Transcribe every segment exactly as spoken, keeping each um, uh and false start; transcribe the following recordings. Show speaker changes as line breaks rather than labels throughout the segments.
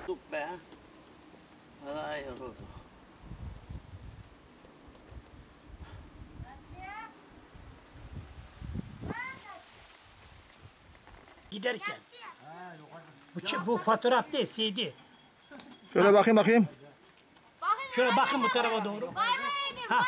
Tut be. Vallahi yorulduk.
Giderken. Bu, bu fotoğraf değil, C D.
Şöyle bakayım bakayım.
Şöyle bakın bu tarafa doğru. Ha.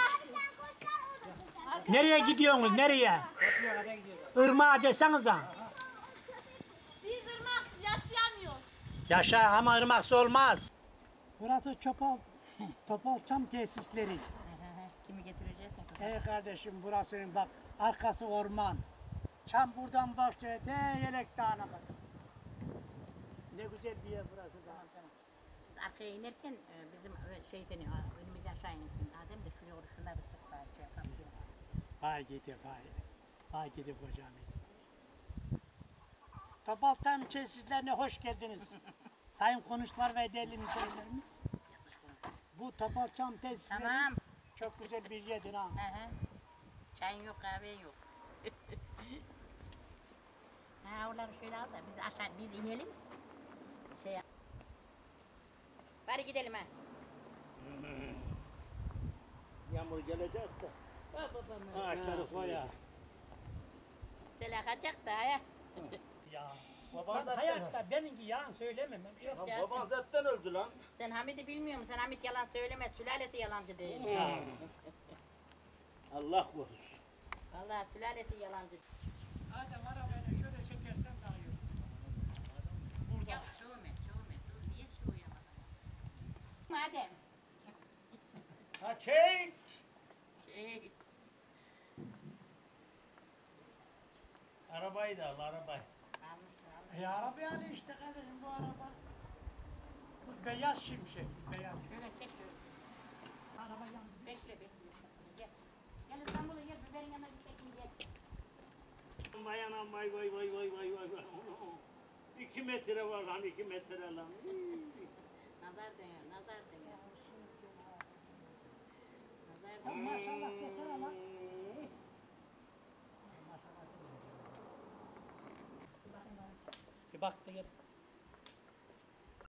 Nereye gidiyorsunuz, nereye? Irmağa desenize.
Biz ırmaksız yaşayamıyoruz.
Yaşa ama ırmaksız olmaz. Burası Çopal, Topal Çam Tesisleri.
Kimi getireceğiz?
Ey kardeşim burası bak arkası orman. Çam buradan başlıyor de Yelek Dağı'na kadar. Ne güzel bir yer burası da.
Tamam tamam. Biz arkaya inerken e, bizim ö- şeyden e, önümüzden aşağı insin. Adem de şuraya oruç şunlar bir tık daha şey yapalım.
Vay gidi vay. Vay gidi kocam. Topal Çam Tesislerine hoş geldiniz. Sayın konuşlar ve değerli misafirlerimiz. Bu Topal Çam Tesisleri
Tamam.
çok güzel bir yerdir ha.
Hı hı. Çayın yok, kahven yok. Ha onları şöyle al da biz aşağı biz inelim. Şey yap. Bari gidelim ha.
Yağmur gelecek de.
Oh babam.
Ağaçları koyar.
Sela kaçacak da ya.
Ya.
Baban
Ben hayatta benimki yalan söylemem. Ben bir şey
Yok
Ya
ya,
baban zaten öldü lan.
Sen Hamid'i bilmiyor musun? Sen Hamid yalan söylemez. Sülalesi yalancı değil.
Allah korusun.
Vallahi sülalesi yalancı.
Adem arabayla şöyle çekersen daha iyi olur.
Ya soğume, soğume. Dur niye soğuyamadın? Madem.
Ha çek.
Şey,
Arabayı da al arabayı.
almıştır almıştır.
E araba yani işte kardeşim bu araba. Bu beyaz şimşek, beyaz.
Şöyle çek şöyle.
Araba yandı.
Bekle bekle. Gel. Gel İstanbul'a gel. Biberin yanına bir çekin gel.
Vay anam vay vay vay vay vay vay vay. İki metre var lan iki metre lan.
Nazar dene, nazar dene. Nazar
Ya
dene.
maşallah desene lan. Bir bak da gel.